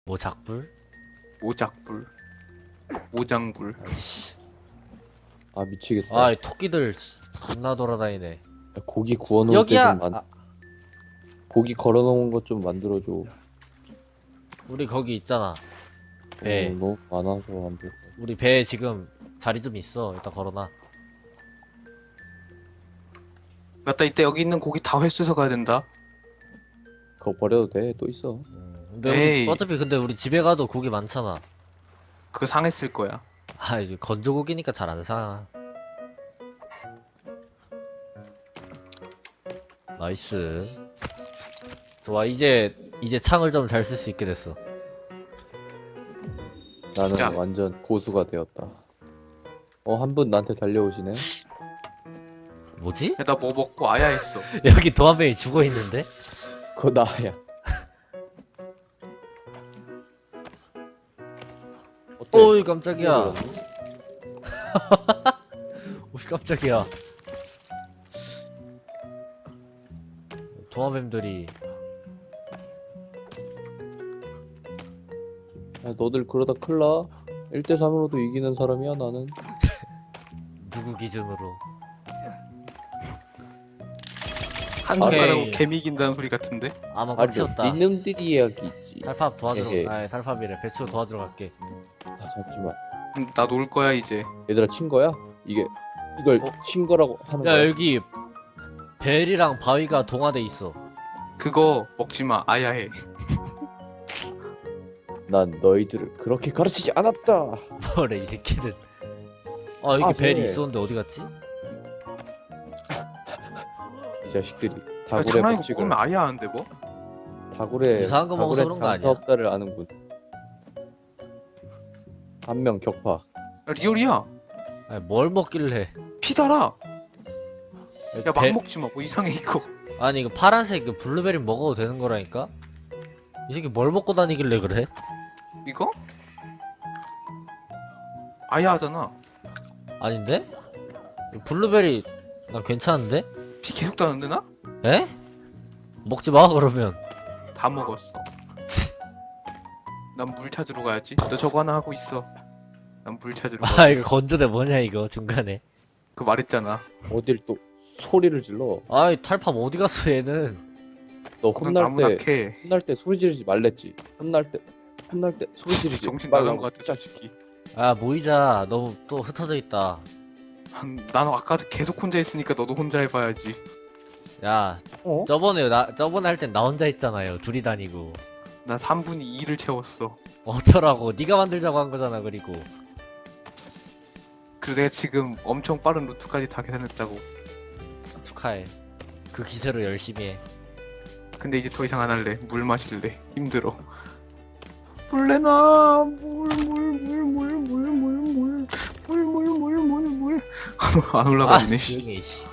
뭐 작불? 오작불, 오장불. 아이씨. 아 미치겠다. 아, 이 토끼들 존나 돌아다니네. 야, 고기 구워놓을 때 여기야. 좀 아, 고기 걸어놓은 것 좀 만들어줘. 우리 거기 있잖아. 배. 너무 많아서 안 돼. 우리 배에 지금 자리 좀 있어. 일단 걸어놔. 맞다, 이때 여기 있는 고기 다 회수해서 가야 된다. 그거 버려도 돼. 또 있어. 근데 에이. 어차피 근데 우리 집에 가도 고기 많잖아. 그거 상했을 거야. 아, 이제 건조고기니까 잘 안 사. 나이스. 좋아, 이제 창을 좀 잘 쓸 수 있게 됐어. 나는 야. 완전 고수가 되었다. 한 분 나한테 달려오시네. 뭐지? 야, 나 뭐 먹고 아야 했어. 여기 도마뱀이 죽어 있는데? 그거 나야. 어때? 어이 깜짝이야. 어이 깜짝이야. 도마뱀들이 야, 너들 그러다 큰일 나. 1대3으로도 이기는 사람이야 나는. 누구 기준으로? 한 오케이. 손가락으로 개미 이긴다는 소리 같은데? 아마 아니 꽂혔다. 니놈들이 이야기 있지. 달팝 도와주러. 에헤. 아, 달팝이래. 배추 도와주러 갈게. 아 잠시만. 나 놀 거야 이제. 얘들아 친 거야? 이걸 친 거라고 하는 야, 거야? 여기 벨이랑 바위가 동화돼 있어. 그거 먹지 마. 아야 해. 난 너희들을 그렇게 가르치지 않았다. 뭐래 이 새끼는. 아, 여기 아, 벨이 네. 있었는데 어디 갔지? 이 자식들이 야, 다굴의 장난이고 법칙을 먹으면 아야 하는데 뭐? 다굴의 먹어서 그런 거 아니야? 장사업다를 아는군. 한 명 격파. 야, 리얼이야. 아니, 뭘 먹길래? 피달아. 여기 야, 막 벨- 먹지 마. 뭐 이상해 이거. 아니 이거 파란색 그 블루베리 먹어도 되는 거라니까? 이 새끼 뭘 먹고 다니길래 그래? 이거? 아야 하잖아. 아닌데? 블루베리 난 괜찮은데? 피 계속 다는데 나? 에? 먹지 마 그러면. 다 먹었어. 난 물 찾으러 가야지. 너 저거 하나 하고 있어. 난 물 찾으러 아 가. 이거 건조대 뭐냐 이거 중간에. 그 말했잖아. 어딜 또 소리를 질러. 아이 탈팝 어디 갔어 얘는? 너 넌 혼날 나무나 때 캐. 혼날 때 소리 지르지 말랬지. 혼날 때 소리 지르지 정신 나간 말라고. 거 같아 솔직히. 아 모이자. 너무 또 흩어져 있다. 난 아까도 계속 혼자 있으니까 너도 혼자 해봐야지. 야 저번에 할 땐 나 혼자 있잖아요. 둘이 다니고. 난 3분의 2를 채웠어. 어쩌라고? 네가 만들자고 한 거잖아. 그리고 그리고 내가 지금 엄청 빠른 루트까지 다 계산했다고. 축하해. 그 기세로 열심히 해. 근데 이제 더 이상 안 할래. 물 마실래. 힘들어. 물 내놔. 물. 안 올라가지네. 씨. 조용히 해, 씨.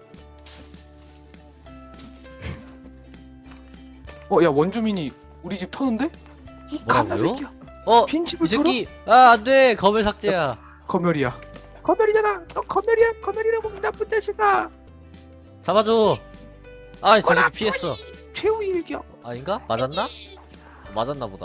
야 원주민이 우리 집 터는데? 이 갓나 뭐라고요? 새끼야. 어? 빈집을 이 새끼 아 안돼 검을 삭제야. 검열이야. 검열이잖아. 너 검열이야. 검열이라고 이 나쁜 자식아. 잡아줘. 아 저 꺼라, 새끼 피했어. 최후 일기야. 아닌가? 맞았나? 맞았나 보다.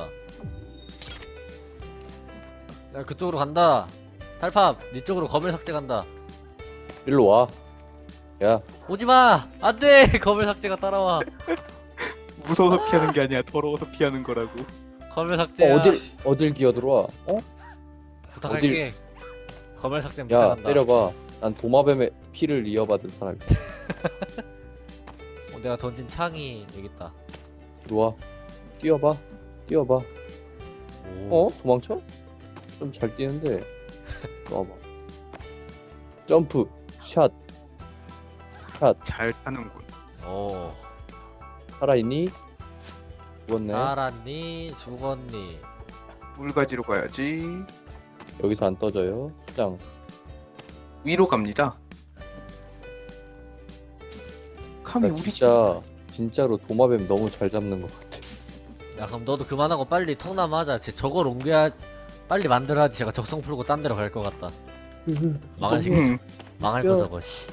야 그쪽으로 간다. 탈팝 네 쪽으로 검을 삭제 간다. 일로 와. 야, 오지마. 안돼 검을 삭제가 따라와. 무서워서 피하는 게 아니야. 더러워서 피하는 거라고. 검을 삭제야. 어딜 기어들어와? 부탁할게. 검을 삭제 야, 부탁한다. 때려봐. 난 도마뱀의 피를 이어받은 사람이야. 내가 던진 창이 여기 있다. 이리 와. 뛰어봐. 오. 도망쳐? 좀 잘 뛰는데. 와봐. 점프, 샷. 잘 사는군. 오. 살아있니? 죽었네. 살았니? 죽었니? 물 가지러 가야지. 여기서 안 떠져요. 수장. 위로 갑니다. 감히 나 우리 진짜로 도마뱀 너무 잘 잡는 것 같아. 야 그럼 너도 그만하고 빨리 통나무 하자. 쟤 저걸 옮겨야 빨리 만들어야지. 제가 적성 풀고 딴 데로 갈 것 같다. 망할 집 새끼. 망할 거 야. 저거 씨.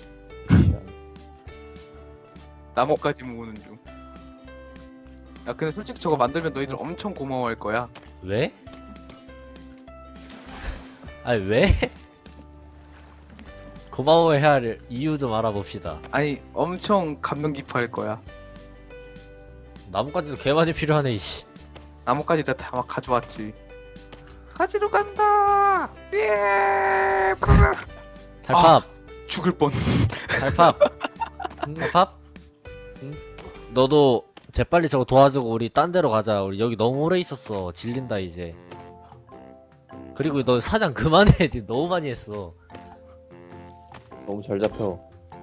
나무까지 모으는 중. 야 근데 솔직히 저거 만들면 너희들 엄청 고마워할 거야. 왜? 아니 왜? 고마워해야 할 이유 좀 알아봅시다. 아니 엄청 감명 깊어할 거야. 나뭇가지도 개 많이 필요하네 이씨. 나뭇가지 다 막 가져왔지. 가지러 간다. 예. 브르르. 달팝. 죽을 뻔. 달팝. 팝. 너도 재빨리 저거 도와주고 우리 딴 데로 가자. 우리 여기 너무 오래 있었어. 질린다 이제. 그리고 너 사냥 그만해. 니 너무 많이 했어. 너무 잘 잡혀.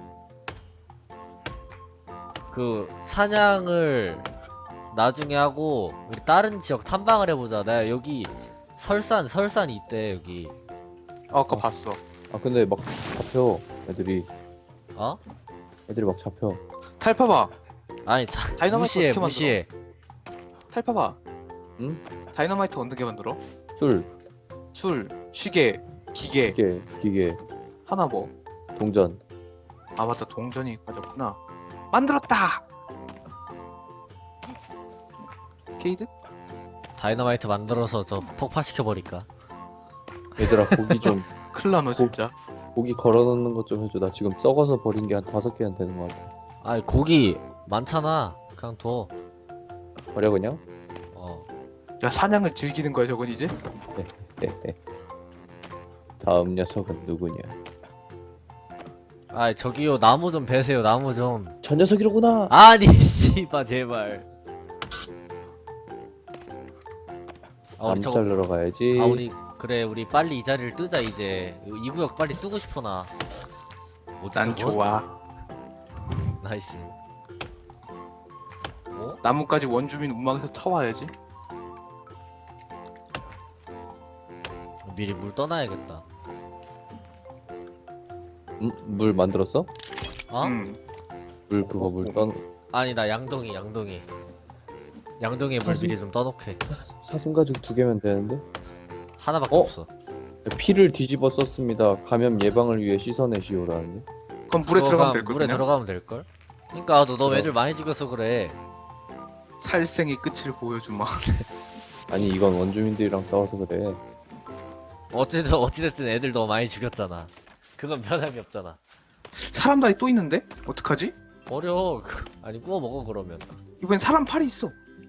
그 사냥을 나중에 하고 우리 다른 지역 탐방을 해보자. 내가 여기 설산이 있대 여기. 아까 봤어. 아 근데 막 잡혀 애들이. 어? 애들이 막 잡혀. 탈파봐. 아니 다이너마이트 무시해 어떻게 만들어? 무시해. 탈파봐. 응? 다이너마이트 어떻게 만들어? 술, 술, 시계, 기계. 기계, 하나 뭐? 동전. 아 맞다 동전이 빠졌구나. 만들었다. 게이드? 다이너마이트 만들어서 저 폭파시켜버릴까? 얘들아 고기 좀 클라 너 진짜. 고기 걸어놓는 것 좀 해줘. 나 지금 썩어서 버린 게 한 5개는 되는 것 같아. 아니 고기 많잖아. 그냥 둬. 버려 그냥? 어. 야 사냥을 즐기는 거야 저건 이제? 다음 녀석은 누구냐? 아이 저기요 나무 좀 베세요 나무 좀. 저 녀석이로구나. 아니 씨발 제발. 아 우리 남 저거 자르러 가야지. 아 우리 그래 우리 빨리 이 자리를 뜨자 이제. 이 구역 빨리 뜨고 싶어 나. 뭐지 난 저거? 좋아. 나이스. 어? 나뭇가지 원주민 운망에서 타와야지. 미리 물 떠나야겠다. 물 만들었어? 어? 물 그거 물 떠. 아니 나 양동이 양동이에 물 사슴? 미리 좀 떠놓게. 사슴 가죽 2개면 되는데? 하나밖에 어? 없어. 피를 뒤집어 썼습니다. 감염 예방을 위해 씻어내시오라는데. 그럼 물에 들어가면 될 물에 거야. 들어가면 될걸? 그니까 너 그럼. 애들 많이 죽여서 그래. 살생의 끝을 보여주마. 아니 이건 원주민들이랑 싸워서 그래. 어찌됐든 애들 너무 많이 죽였잖아. 그건 변함이 없잖아. 사람 다리 또 있는데? 어떡하지? 버려. 아니 구워 먹어 그러면. 이번엔 사람 팔이 있어.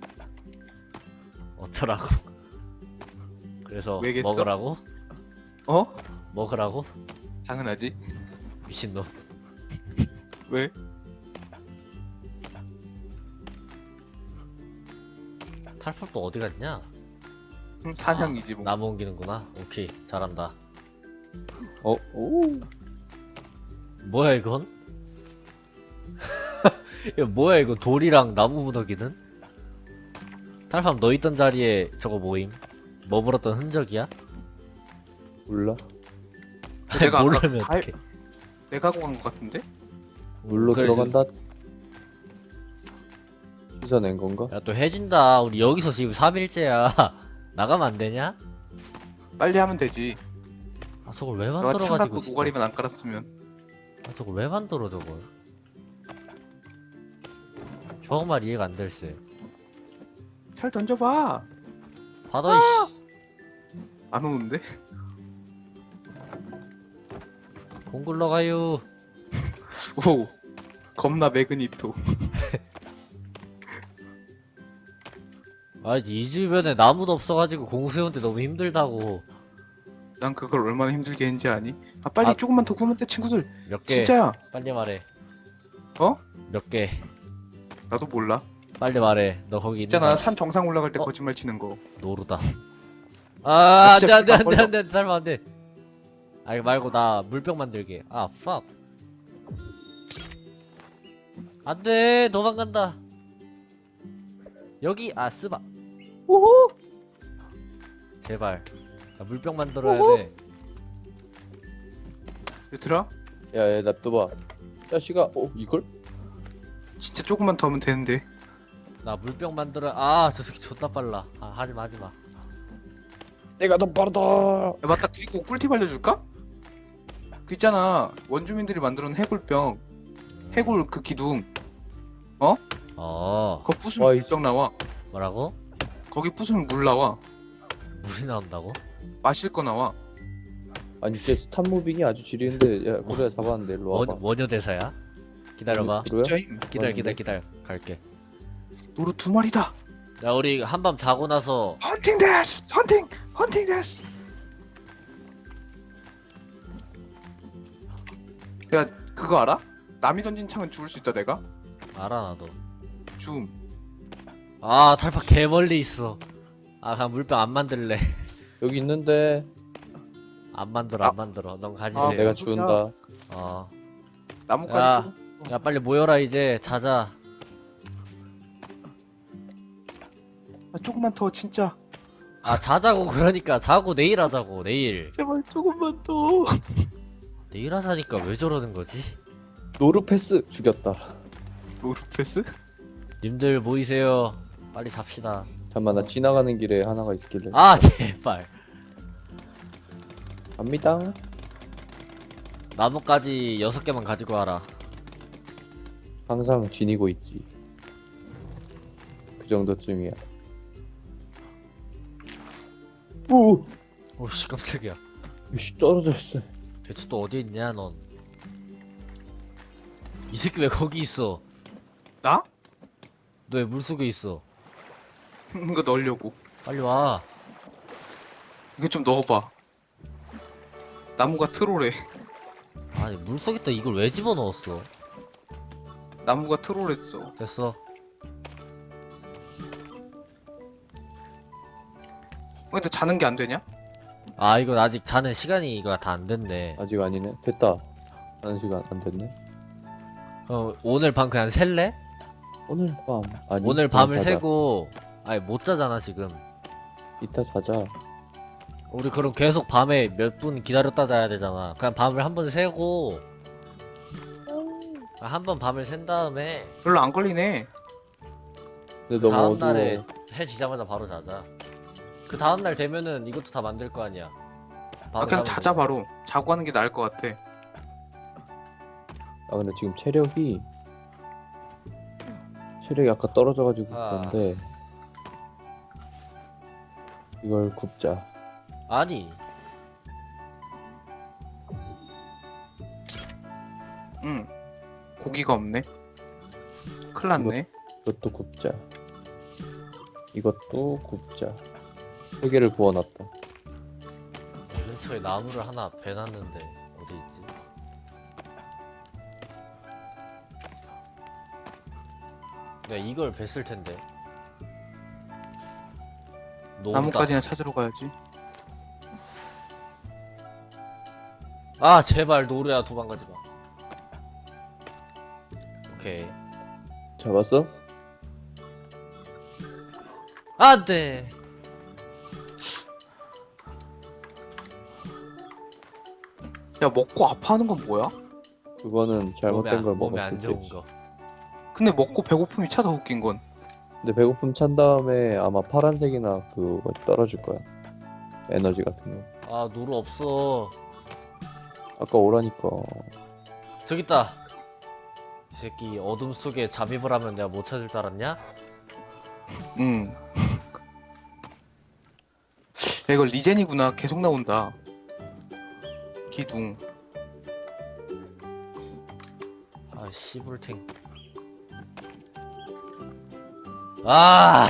어쩌라고. 그래서 왜겠어? 먹으라고? 어? 먹으라고? 당연하지. 미친놈. 왜? 탈팝도 어디 갔냐? 사냥이지 뭐. 나무 옮기는구나. 오케이 잘한다. 오. 뭐야 이건? 이거 뭐야 이거 돌이랑 나무 무더기는? 탈팝 너 있던 자리에 저거 모임? 머물었던 흔적이야? 몰라. 내가 아까 모르면 다 어떡해. 내가 하고 간 것 같은데? 물로 그래, 들어간다. 씻어낸 건가? 야 또 해진다. 우리 여기서 지금 3일째야. 나가면 안 되냐? 빨리 하면 되지. 아 저걸 왜 너가 만들어가지고 창 갖고 진짜. 노가리만 안 깔았으면. 아 저걸 왜 만들어 저걸. 정말 이해가 안 될세. 잘 던져봐. 받아 이씨. 안 오는데? 공 굴러가요. 오. 겁나 매그니토. 아 이 주변에 나무도 없어가지고 공 세우는데 너무 힘들다고. 난 그걸 얼마나 힘들게 했는지 아니? 아 빨리 아. 조금만 더 구면 돼 친구들. 몇 개? 진짜야. 빨리 말해. 어? 몇 개? 나도 몰라. 빨리 말해. 너 거기 있잖아 있는 산 정상 올라갈 때 어? 거짓말 치는 거. 노루다. 아 진짜 안돼 안돼 피가 안돼 안돼 살면 안돼. 아 이거 말고 나 물병 만들게. 아 fuck. 안돼 도망간다. 여기 아 쓰바. 오호. 제발. 나 물병 만들어야 돼. 얘들아 야야 놔둬봐. 자식아. 이걸? 진짜 조금만 더 하면 되는데. 나 물병 만들어. 아 저 새끼 존나 빨라. 아 하지마 하지마. 내가 더 빠르다. 야, 맞다 그리고 꿀팁 알려줄까? 그 있잖아 원주민들이 만들어놓은 해골병 해골 그 기둥 어 그거 부수면 와이. 물병 나와. 뭐라고? 거기 부수면 물 나와. 물이 나온다고? 마실 거 나와. 아니 진짜 스탑 무빙이 아주 지리는데 야 고래야 잡았는데 일로 와봐. 원효 대사야? 기다려봐. 고래야? 진짜임. 기다려 갈게. 노루 2마리다. 야 우리 한밤 자고 나서 헌팅 데스. 헌팅 데스. 야 그거 알아? 남이 던진 창은 죽을 수 있다 내가? 알아 나도. 줌. 아 달팍 개 멀리 있어. 아 그냥 물병 안 만들래. 여기 있는데 안 만들어. 넌 가지세요. 아, 내가 주운다. 어. 나뭇가지 야. 좀- 야 빨리 모여라 이제 자자. 아, 조금만 더 진짜. 아 자자고 그러니까 자고 내일 하자고 내일. 제발 조금만 더. 내일 하자니까 왜 저러는 거지? 노르패스 죽였다. 노루 패스? 님들 모이세요. 빨리 잡시다. 잠만 나 지나가는 길에 하나가 있길래. 아 제발. 갑니다. 나뭇가지 6개만 가지고 와라. 항상 지니고 있지. 그 정도쯤이야. 오, 오씨 깜짝이야. 씨 떨어졌어. 배추 또 어디 있냐 넌? 이 새끼 왜 거기 있어? 나? 너 왜 물속에 있어? 이거 넣으려고. 빨리 와. 이거 좀 넣어봐. 나무가 트롤해. 아니 물속에다 이걸 왜 집어넣었어? 나무가 트롤했어. 됐어. 근데 자는 게 안 되냐? 아 이거 아직 자는 시간이 이거 다 안 됐네. 아직 아니네. 됐다. 하는 시간 안 됐네. 오늘 밤 그냥 셀래? 오늘 밤. 아니. 오늘 그냥 밤을 자자. 새고 아니 못 자잖아 지금. 이따 자자. 우리 그럼 계속 밤에 몇 분 기다렸다 자야 되잖아. 그냥 밤을 한 번 새고 한 번 밤을 샌 다음에 별로 안 걸리네. 근데 너무 다음 어두워. 날에 해 지자마자 바로 자자. 그 다음 날 되면은 이것도 다 만들 거 아니야. 아 바로 그냥 자면 자자 되고. 바로. 자고 하는 게 나을 것 같아. 아 근데 지금 체력이 아까 떨어져가지고 아. 그런데 이걸 굽자. 아니 응. 고기가 없네. 큰일 났네. 이것도 굽자. 이것도 굽자. 3개를 구워놨다. 근처에 나무를 하나 베놨는데 어디 있지? 내가 이걸 뱄을 텐데. 노루다. 나뭇가지나 찾으러 가야지. 아 제발 노루야 도망가지 마. 오케이. 잡았어? 안돼. 야 먹고 아파하는 건 뭐야? 그거는 잘못된 걸 몸에 먹었을 안 좋은 때지. 거. 근데 먹고 배고픔이 차서 웃긴 건. 근데 배고픔 찬 다음에 아마 파란색이나 그거 떨어질 거야. 에너지 같은 거. 아 노루 없어. 아까 오라니까. 저기 있다. 이 새끼 어둠 속에 잠입을 하면 내가 못 찾을 줄 알았냐? 응. 야 이거 리젠이구나. 계속 나온다. 기둥. 아 씨불탱. 아.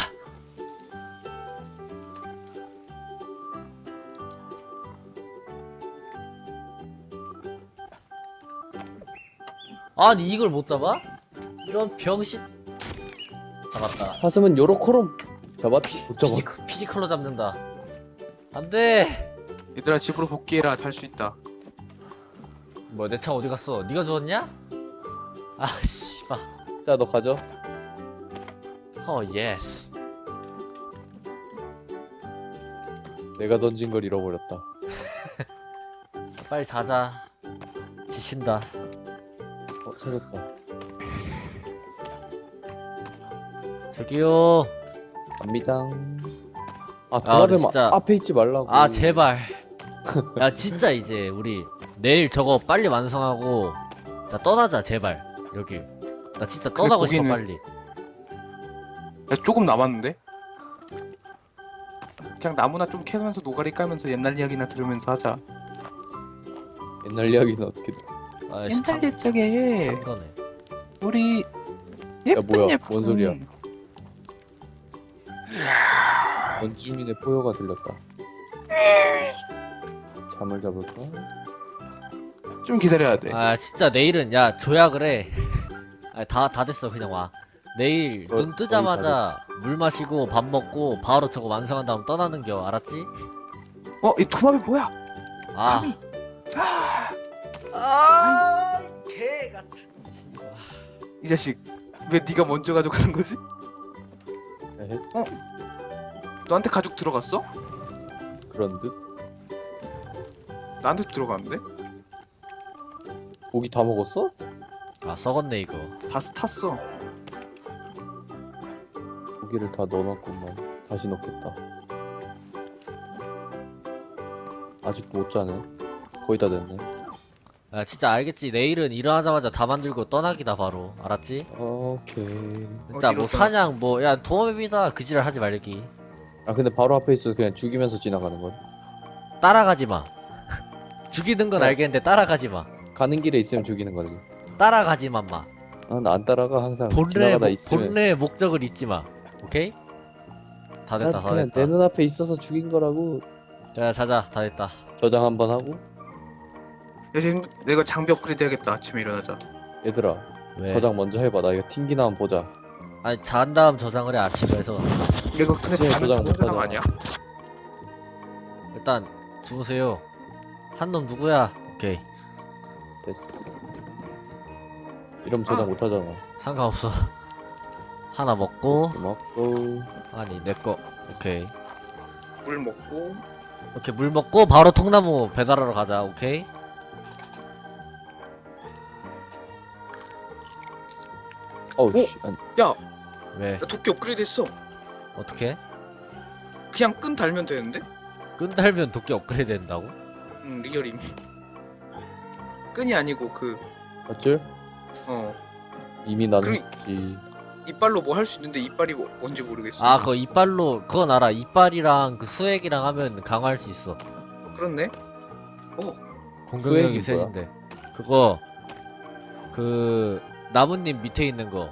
아니 이걸 못 잡아? 이런 병신. 잡았다. 사슴은 요로코롬 잡았지. 못 잡아. 피지컬로 잡는다. 안돼. 얘들아 집으로 복귀해라. 잘 수 있다. 뭐야 내 차 어디 갔어? 네가 주웠냐? 아 씨발. 자, 너 가져. 예스. 내가 던진 걸 잃어버렸다. 빨리 자자. 지친다. 찾았다. 저기요. 갑니다. 아, 우리 도라뱀 진짜- 앞에 있지 말라고. 아 제발. 야 진짜 이제 우리 내일 저거 빨리 완성하고 나 떠나자 제발 여기. 나 진짜 근데 떠나고 싶어 거기는- 빨리. 야 조금 남았는데? 그냥 나무나 좀 캐면서 노가리 까면서 옛날 이야기나 들으면서 하자. 옛날 이야기는 어떻게 들어? 아이씨 옛날 옛적에 거네. 우리 예쁜 뭐야, 예쁜 뭔 소리야? 원주민의 포효가 들렸다. 잠을 잡을까? 좀 기다려야 돼. 아 진짜 내일은 야 조약을 해. 다 됐어 그냥 와. 내일 거의 눈 뜨자마자 물 마시고 밥 먹고 바로 저거 완성한 다음 떠나는겨 알았지? 이 도마뱀 뭐야? 아. 감히. 개 같은. 이 자식 왜 네가 먼저 가져가는 거지? 에헤, 너한테 가죽 들어갔어? 그런 듯. 나한테도 들어갔는데? 고기 다 먹었어? 아 썩었네 이거. 다 탔어. 고기를 다 넣어놨구만. 다시 넣겠다. 아직도 못 자네. 거의 다 됐네. 야 진짜 알겠지. 내일은 일어나자마자 다 만들고 떠나기다 바로. 알았지? 오케이. 진짜 어디로 뭐 떠나? 사냥 뭐 야 도마뱀이다 그 지랄 하지 말기. 아 근데 바로 앞에 있어. 그냥 죽이면서 지나가는 거야. 따라가지 마. 죽이는 건 야. 알겠는데 따라가지 마. 가는 길에 있으면 죽이는 거지. 따라가지만 마. 아, 나 안 따라가. 항상 본래 지나가다 있으면. 본래 목적을 잊지 마. 오케이? 다 됐다 난 다 그냥 됐다. 내 눈앞에 있어서 죽인 거라고. 자 자자 다 됐다. 저장 한번 하고. 야 지금 내가 장비 업그레이드 해야겠다. 아침에 일어나자. 얘들아, 왜? 저장 먼저 해봐. 나 이거 튕기나 한번 보자. 아니 잔 다음 저장을 해 아침에 해서. 이거 근데 아침에 다른 저장 못 저장 하잖아. 아니야? 일단 주무세요. 한 놈 누구야? 오케이 됐어. 이러면 저장 못 하잖아. 상관없어. 하나 먹고 고맙고. 아니 내거 오케이 물 먹고. 오케이 물 먹고 바로 통나무 배달하러 가자. 오케이 어우 오! 씨. 아니, 야, 왜 야 도끼 업그레이드 했어. 어떻게 그냥 끈 달면 되는데? 끈 달면 도끼 업그레이드 된다고? 리얼임. 끈이 아니고 어쩔? 이미 나는 그럼- 했지. 이빨로 뭐 할 수 있는데 이빨이 뭔지 모르겠어. 아 그거 이빨로 그건 알아. 이빨이랑 그 수액이랑 하면 강화할 수 있어. 그렇네. 공격력이 수액이 뭐야? 세진데 그거 그 나뭇잎 밑에 있는 거.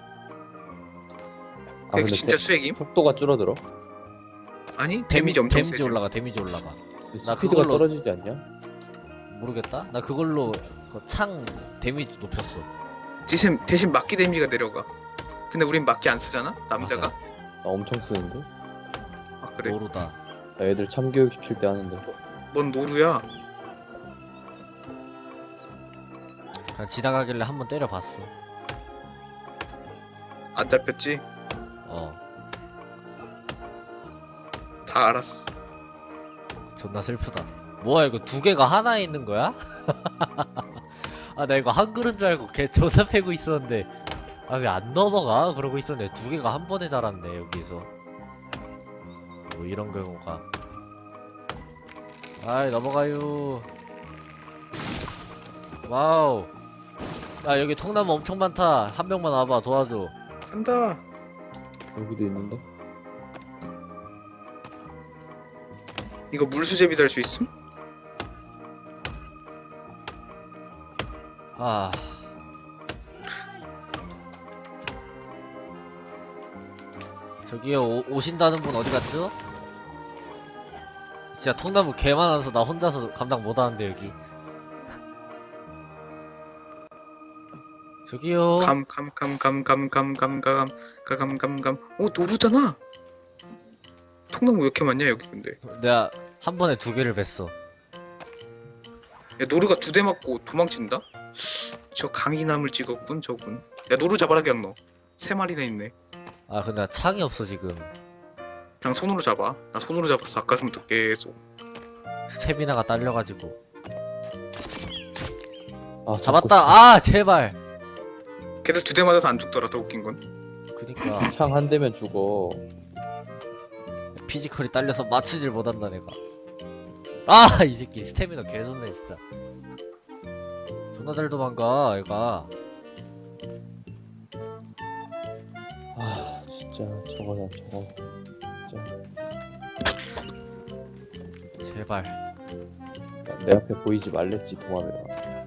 아 그게 근데 진짜 수액임? 속도가 줄어들어? 아니 데미지 엄청 데미지 세지. 올라가 데미지 올라가. 나 스피드가 그걸로- 떨어지지 않냐? 모르겠다. 나 그걸로 그 창 데미지 높였어. 대신 막기 데미지가 내려가. 근데 우린 막기 안 쓰잖아? 남자가? 맞아. 나 엄청 쓰는데? 아 그래? 모르다. 나 애들 참교육 시킬 때 하는데. 뭔 노루야? 그냥 지나가길래 한번 때려봤어. 안 잡혔지? 어 다 알았어. 존나 슬프다. 뭐야 이거 두 개가 하나에 있는 거야? 아 나 이거 한 그릇 줄 알고 걔 조사 패고 있었는데 아 왜 안 넘어가? 그러고 있었는데 두 개가 한 번에 자랐네 여기서. 뭐 이런 경우가. 아이 넘어가요. 와우. 야 여기 통나무 엄청 많다. 한 명만 와봐 도와줘. 간다. 여기도 있는데? 이거 물수제비 달 수 있음? 아 저기요 오신다는 분 어디 갔죠? 진짜 통나무 개 많아서 나 혼자서 감당 못하는데 여기. 저기요. 오 노루잖아. 통나무 왜 이렇게 많냐 여기 근데. 내가 한 번에 두 개를 뱄어. 야 노루가 2대 맞고 도망친다? 저 강이나물 찍었군 저군. 야 노루 잡아라 그냥 너. 3마리나 있네. 아 근데 나 창이 없어 지금. 그냥 손으로 잡아. 나 손으로 잡았어 아까부터 계속. 스태미나가 딸려가지고. 아 잡았다. 아 제발. 걔들 2대 맞아서 안 죽더라 더 웃긴 건. 그니까 창 한 대면 죽어. 피지컬이 딸려서 맞추질 못한다 내가. 아 이 새끼 스태미나 개좋네 진짜. 존나 잘 도망가 얘가. 아 진짜 저거다 저거. 진짜. 제발. 야, 내 앞에 보이지 말랬지 도마뱀아.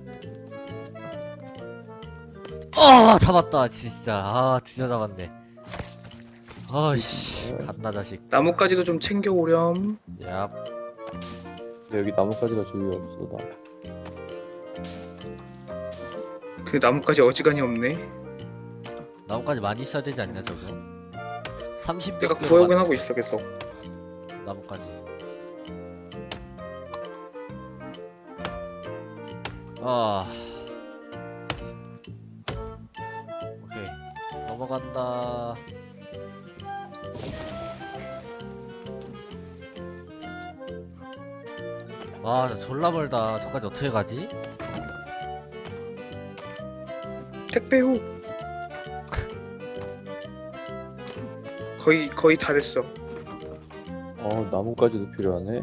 잡았다 진짜. 아 드디어 잡았네. 아이씨 갓나 자식. 나뭇가지도 좀 챙겨오렴. 야 근데 여기 나뭇가지가 주위에 없어. 나 그 나뭇가지 어지간히 없네. 나뭇가지 많이 써야 되지 않냐 저거? 30몇 내가 개로 구해오긴 하고 있어 계속. 나뭇가지. 아 오케이 넘어간다. 와, 나 졸라 멀다. 저까지 어떻게 가지? 택배 후. 거의 다 됐어. 나뭇가지도 필요하네.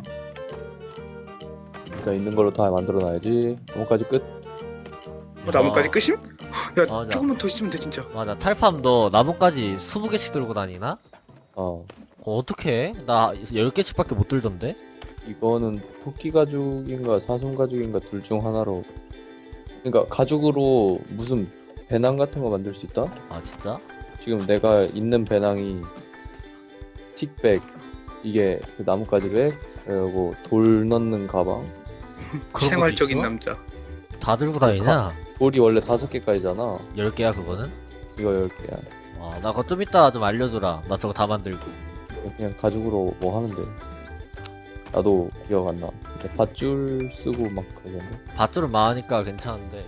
일단 있는 걸로 다 만들어놔야지. 나뭇가지 끝. 나뭇가지 끝임? 야 맞아. 조금만 더 있으면 돼 진짜. 맞아. 탈팜 너 나뭇가지 20개씩 들고 다니나? 어, 그거 어떻게 해? 나 10개씩밖에 못 들던데? 이거는 토끼 가죽인가 사슴 가죽인가 둘 중 하나로. 그러니까 가죽으로 무슨 배낭 같은 거 만들 수 있다? 아 진짜? 지금 내가 있는 배낭이 틱백, 이게 그 나뭇가지 백, 그리고 돌 넣는 가방. 그런 것도 생활적인 있어? 남자. 다 들고 다니냐? 돌이 원래 5개까지잖아. 10개야 그거는? 이거 10개야. 아, 나 그거 좀 이따 좀 알려주라. 나 저거 다 만들고. 그냥 가죽으로 뭐 하면 돼. 나도 기억 안 나. 근데 밧줄 쓰고 막 그러던데. 밧줄은 많으니까 괜찮은데.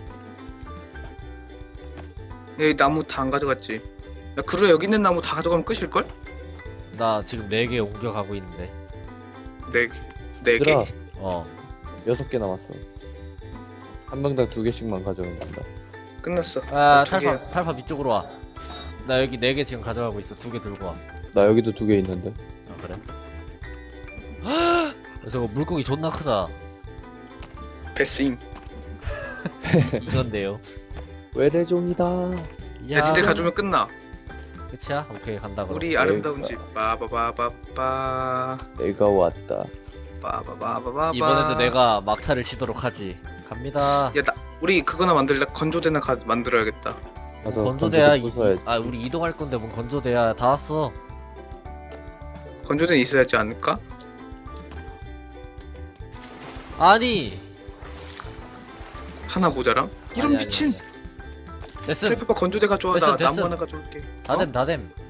여기 나무 다 안 가져갔지. 야 그래 여기 있는 나무 다 가져가면 끝일걸? 나 지금 4개 옮겨가고 있는데. 네 개? 얘들아, 어. 6개 남았어. 한 명당 2개씩만 가져오면 된다. 끝났어. 아, 두 개야. 탈팝 이쪽으로 와. 나 여기 4개 지금 가져가고 있어. 2개 들고 와. 나 여기도 2개 있는데. 아, 그래? 저거 물고기 존나 크다. 베스임. 이건데요. 외래종이다. 야 니네 가져오면 끝나. 끝이야? 오케이, 간다 그럼. 우리 아름다운 집. 빠바바바바. 내가 왔다. 빠바바바바. 이번에도 내가 막타를 치도록 하지. 갑니다. 야 우리 그거나 만들래. 건조대나 만들어야겠다. 가서 건조대야. 건조대 부숴야지. 아, 우리 이동할 건데 뭔 건조대야. 다 왔어. 건조대는 있어야지 않을까? 아니. 하나 모자람? 이런 아니, 미친. 됐음. 트래퍼 건조대 가져와. 됐음, 나 나무 됐음. 하나 가져올게. 다됨.